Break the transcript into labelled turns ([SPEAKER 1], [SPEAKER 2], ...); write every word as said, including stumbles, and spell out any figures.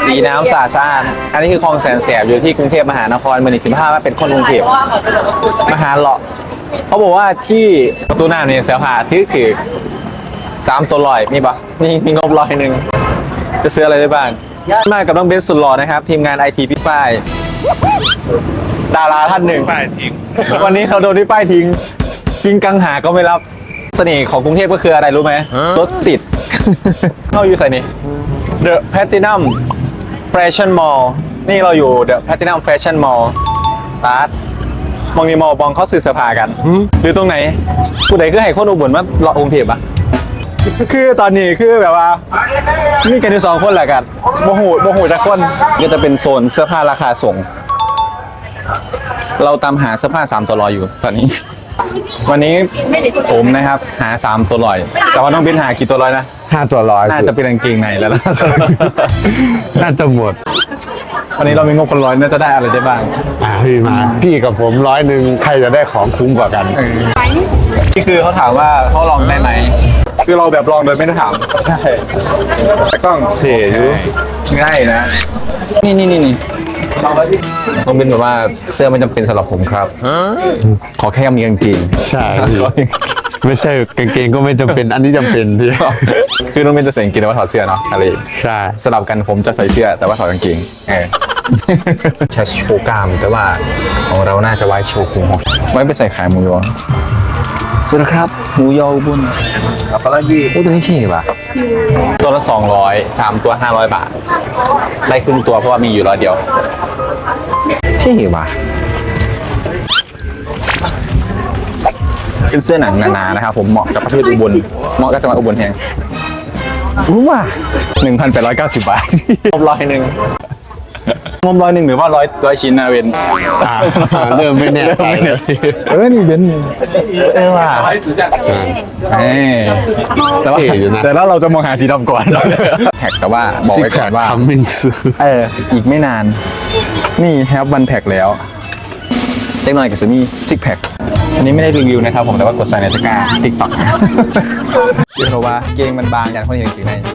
[SPEAKER 1] สีน้ำสะอาดสะอาดอันนี้คือคลองแสนแสบอยู่ที่กรุงเทพมหานครเมืองสิบห้าว่าเป็นคนกรุงเทพมหาเลาะเขาบอกว่าที่ประตูน้ำเนี่ยเสียผ่าที่ถือสามตัวลอยมีปะมีมีงบลอยหนึ่งจะซื้ออะไรได้บ้างมากับน้องเบนสุดหล่อนะครับทีมงานไอทีพี่ป้ายดาราท่านหนึ่งป้ายทิ้งวันนี้เขาโดนที่ป้ายทิ้งจริงกังหาก็ไม่รับเสน่ห์ของกรุงเทพก็คืออะไรรู้ไหมรถติดเข้าอยู่ใส่นี่ The Platinum Fashion Mall นี่เราอยู่ The Platinum Fashion Mall ตาร์ทมองมีมอลบองเขาสื่อสภากันอยู่ตรงไหนผู้ใดคือให้คนอุบลมาเลาะกรุงเทพอะคือตอนนี้คือแบบว่ามีกันอยู่สองคนแหละกันโมโหโมโหจากคนก็จะเป็นโซนเสื้อผ้าราคาส่งเราตามหาเสื้อผ้าสามตัวลอยอยู่ตอนนี้วันนี้ผมนะครับหาสามตัวลอยแต่ว่าน้องบินหากี่ตัวลอยนะ
[SPEAKER 2] ห้าตัวร้อย
[SPEAKER 1] น่าจะเป็นกางเกงในแล้วนะ
[SPEAKER 2] น่าจะหมด
[SPEAKER 1] วันนี้เรามีงบคนร้อยน่าจะได้อะไรได้บ้าง
[SPEAKER 2] อ่าพี่มาพี่กับผมร้อยหนึ่งใครจะได้ของคุ้มกว่ากัน
[SPEAKER 1] นี่คือเขาถามว่าเขาลองได้ไหมคือเราแบบลองโดยไม่ได้ถามใช่แต่กล้อง
[SPEAKER 2] เสียอยู่
[SPEAKER 1] ง่ายนะนี่นี่นี่นี่ต้องเป็นแบบว่าเสื้อไม่จำเป็นสำหรับผมครับขอแค่มีกางเกง
[SPEAKER 2] ใช่ไม่ใช่กางเกงก็ไม่จำเป็นอันนี้จำเป็นที่
[SPEAKER 1] คือน้องเป็นจะใส่กางเกงแต่ว่าถอดเสื้อเนาะอะไร
[SPEAKER 2] ใช่
[SPEAKER 1] สลับกันผมจะใส่เสื้อแต่ว่าถอดกางเกงเออใช้โชว์กล้ามแต่ว่าของเราน่าจะไว้โชว์พุงไว้ไปใส่ขายหมูยอสวัสดีครับหมูยอบุญกับปลาดีโอ้ตัวนี้เท่ป่ะตัวละสองร้อยสามตัวห้าร้อยบาทได้ครึ่งตัวเพราะว่ามีอยู่ร้อยเดียวเท่ป่ะเป็นเสื้อหนังหนาๆนะครับผมเหมาะกับประเทศอุบลเหมาะกับจังหวัดอุบลแห่งรู้ว่าหนึ่งพันแปดร้อยเก้าสิบบาทงบร้อยหนึ่งงบร้อยหนึ่งหรือว่าร้อยร้อยชิ้นนะเบน
[SPEAKER 2] เริ่มไม่แน่ใจเลย
[SPEAKER 1] เออนี่เบนเออว่าเออแต่ว่าแต่แล้วเราจะมองหาสีดำก่อนแท็กแต่ว่าบอกไว้ก่อนว่าเอออีกไม่นานนี่แฮปวันแพ็กแล้วเล็กน้อยกับซูมี่ซิกแพคอันนี้ไม่ได้รีวิวนะครับผมแต่ว่ากดใส่ในตะกร้าติ๊กต็อกเรียกว่าเกงมันบางอย่างคนเห็นถึงใน